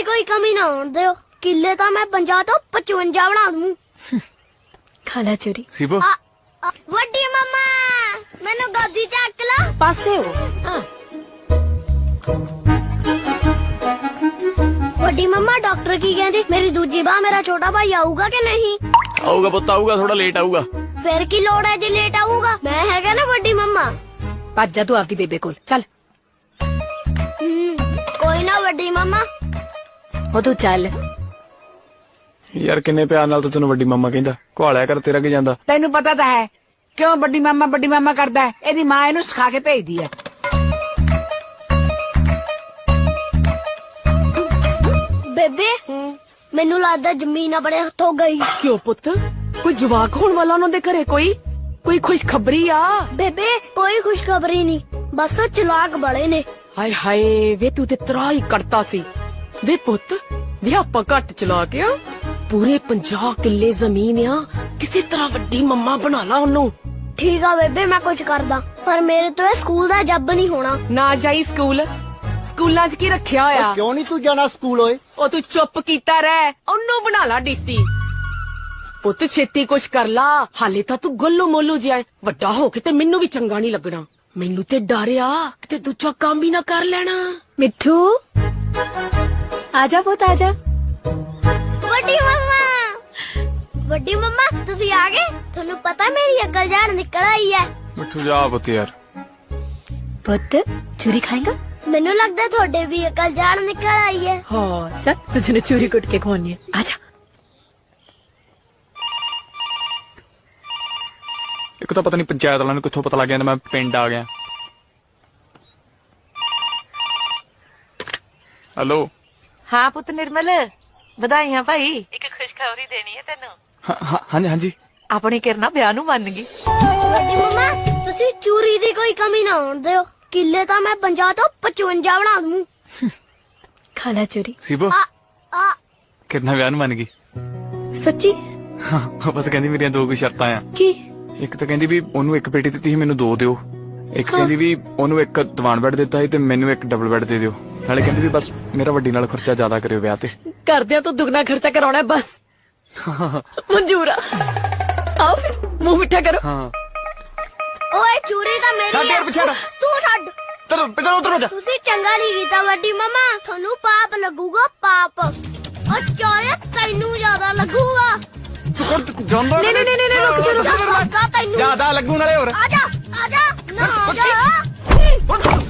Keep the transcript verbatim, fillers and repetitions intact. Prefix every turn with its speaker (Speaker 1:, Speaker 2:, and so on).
Speaker 1: कोई कमी ना होने दो। किले तो मैं पंजा तो पचवंजा बना दूं।
Speaker 2: खाला चोरी
Speaker 3: सीबो
Speaker 1: आ, आ, वड्डी मम्मा मैनू गोदी चक लो।
Speaker 2: पासे हो हाँ।
Speaker 1: वड्डी मम्मा डॉक्टर की कहती मेरी दूजी बाह मेरा छोटा भाई आऊगा कि नहीं?
Speaker 3: आऊगा पुत्त आऊगा, थोड़ा लेट आऊगा।
Speaker 1: फिर की लोड़ है जी लेट आऊगा? मैं हैगा ना वड्डी मम्मा।
Speaker 2: भज जा तू आपदी बेबे कोल चल।
Speaker 1: कोई ना वड्डी मम्मा।
Speaker 2: हो तू चल।
Speaker 3: यार किन्ने प्यार नाल तो तैनू वड्डी मामा कहंदा, घुआलिया कर तेरा की जांदा।
Speaker 4: ਤੈਨੂੰ ਪਤਾ ਤਾਂ ਹੈ ਕਿਉਂ ਵੱਡੀ ਮਾਮਾ ਵੱਡੀ ਮਾਮਾ ਕਰਦਾ ਹੈ? ਇਹਦੀ ਮਾਂ ਇਹਨੂੰ ਸਿਖਾ ਕੇ ਭੇਜਦੀ ਹੈ।
Speaker 1: ਬੇਬੇ ਮੈਨੂੰ ਲੱਗਦਾ ਜ਼ਮੀਨ ਆਪਣੇ ਹੱਥੋਂ ਗਈ।
Speaker 2: क्यों पुत कोई जवाक होने वाला उन्होंने घरे कोई कोई खुशखबरी आ?
Speaker 1: ਬੇਬੇ ਕੋਈ ਖੁਸ਼ਖਬਰੀ ਨਹੀਂ ਬਸ ਉਹ ਚਲਾਕ ਬੜੇ ਨੇ।
Speaker 2: हाय हाय वे तू ते तराई करता सी वे पुत वे आपा घट चला के आ पूरे पंजाह किले जमीन आ किसी तरह वड्डी मम्मा बना ला ओनू।
Speaker 1: ਠੀਕ ਆ ਬੇਬੇ ਮੈਂ ਕੁਝ ਕਰਦਾ ਪਰ ਮੇਰੇ ਤੋਂ ਇਹ ਸਕੂਲ ਦਾ ਜੱਬ ਨਹੀਂ ਹੋਣਾ।
Speaker 2: ना जाई स्कूल स्कूलां च की रखिया होया?
Speaker 5: क्यों नहीं तू जाना स्कूल होए?
Speaker 2: ओ तू चुप कीता रह ओनू बना ला डीसी। पुत छेती कुछ कर ला हाले ता तू गोलो मोलू जिया वड्डा हो के ते मैनू भी चंगा नहीं लगना। मैनू ते डर आ कि दूजा काम भी ना कर लेना। मिठू आजा पुत आजा।
Speaker 1: ਵੱਡੀ ਮੰਮਾ ਵੱਡੀ ਮੰਮਾ ਤੁਸੀਂ ਆ ਗਏ? ਤੁਹਾਨੂੰ ਪਤਾ ਮੇਰੀ ਅਕਲ ਜਾਣ ਨਿਕਲ ਆਈ ਹੈ।
Speaker 3: ਮਿੱਠੂ ਜਾ ਪੁੱਤ ਯਾਰ।
Speaker 2: पुत चूरी खाएगा?
Speaker 1: ਮੈਨੂੰ ਲੱਗਦਾ ਤੁਹਾਡੇ ਵੀ ਅਕਲ ਜਾਣ ਨਿਕਲ ਆਈ ਹੈ।
Speaker 2: हाँ चल मैं तेने चूरी कुट के खवानी है आजा।
Speaker 3: ਇੱਕ ਤਾਂ ਪਤਾ ਨਹੀਂ ਪੰਚਾਇਤ ਵਾਲਿਆਂ ਨੂੰ ਕਿੱਥੋਂ ਪਤਾ ਲੱਗ ਗਿਆ ਮੈਂ ਪਿੰਡ ਆ ਗਿਆ। ਹੈਲੋ
Speaker 6: ਹਾਂ ਪੁੱਤ ਨਿਰਮਲ ਵਧਾਈਆਂ ਭਾਈ। ਇੱਕ ਖੁਸ਼ਖਬਰੀ ਦੇਣੀ ਹੈ ਤੈਨੂੰ।
Speaker 3: ਹਾਂ ਹਾਂ ਹਾਂਜੀ ਹਾਂਜੀ
Speaker 6: ਆਪਣੀ ਕਿਰਨਾ ਵਿਆਹ ਨੂੰ ਮੰਨ ਗਈ।
Speaker 1: ਵੱਡੀ ਮੰਮਾ ਤੁਸੀਂ ਚੂਰੀ ਦੀ ਕੋਈ ਕਮੀ ਨਾ ਹੋਣ ਦਿਓ। ਕਿੱਲੇ ਤਾਂ ਮੈਂ ਪੰਜਾਹ ਤੋਂ ਪਚਵੰਜਾ ਬਣਾ ਦੂੰ।
Speaker 2: खाला चोरी
Speaker 3: ਸੀਬੋ
Speaker 1: ਆ ਆ
Speaker 3: ਕਿੰਨਾ ਵਿਆਹ ਨੂੰ ਮੰਨ ਗਈ।
Speaker 2: सच्ची
Speaker 3: ਹਾਂ ਬਸ ਕਹਿੰਦੀ ਮੇਰੀਆਂ ਦੋ ਕੁ ਸ਼ਰਤਾਂ ਆ।
Speaker 2: की
Speaker 3: ਇੱਕ ਤਾਂ ਕਹਿੰਦੀ ਵੀ ਉਹਨੂੰ ਇੱਕ ਪੇਟੀ ਦਿੱਤੀ ਸੀ ਮੈਨੂੰ ਦੋ ਦਿਓ। ਇੱਕ ਕਹਿੰਦੀ ਵੀ ਉਹਨੂੰ ਇੱਕ ਦੀਵਾਨ ਬੈੱਡ ਦਿੱਤਾ ਸੀ ਤੇ ਮੈਨੂੰ ਇੱਕ ਡਬਲ ਬੈੱਡ ਦੇ ਦਿਓ। ਨਾਲੇ ਕਹਿੰਦੀ ਵੀ ਬਸ ਮੇਰਾ ਵੱਡੀ ਨਾਲ ਖਰਚਾ ਜ਼ਿਆਦਾ ਕਰਿਓ ਵਿਆਹ ਤੇ।
Speaker 2: करदे तो दुगना खर्चा कराना है बस। मंजूर आ आओ फिर मुंह मिठा करो।
Speaker 3: ਹਾਂ
Speaker 1: ਓਏ ਚੂਰੀ ਤਾਂ ਮੇਰੀ
Speaker 3: ਛੱਡ
Speaker 1: ਹੈ।
Speaker 3: ਯਾਰ ਪਿੱਛੇ ਹਟ।
Speaker 1: ਤੂੰ ਛੱਡ।
Speaker 3: ਚਲੋ ਪਿੱਛੇ ਉਤਰੋ ਜਾ।
Speaker 1: ਤੁਸੀਂ ਚੰਗਾ ਨਹੀਂ ਕੀਤਾ ਵੱਡੀ ਮੰਮਾ ਤੁਹਾਨੂੰ ਪਾਪ ਲੱਗੂਗਾ ਪਾਪ। ਉਹ ਚੋਰੇ ਤੈਨੂੰ ਜ਼ਿਆਦਾ ਲੱਗੂਗਾ।
Speaker 3: ਜਾਂਦਾ
Speaker 2: नहीं नहीं नहीं रुक जा रुक जा।
Speaker 1: ਜ਼ਿਆਦਾ ਤੈਨੂੰ
Speaker 3: ਜ਼ਿਆਦਾ ਲੱਗੂ ਨਾਲੇ ਹੋਰ।
Speaker 1: ਆਜਾ ਆਜਾ ਨਾ ਆਜਾ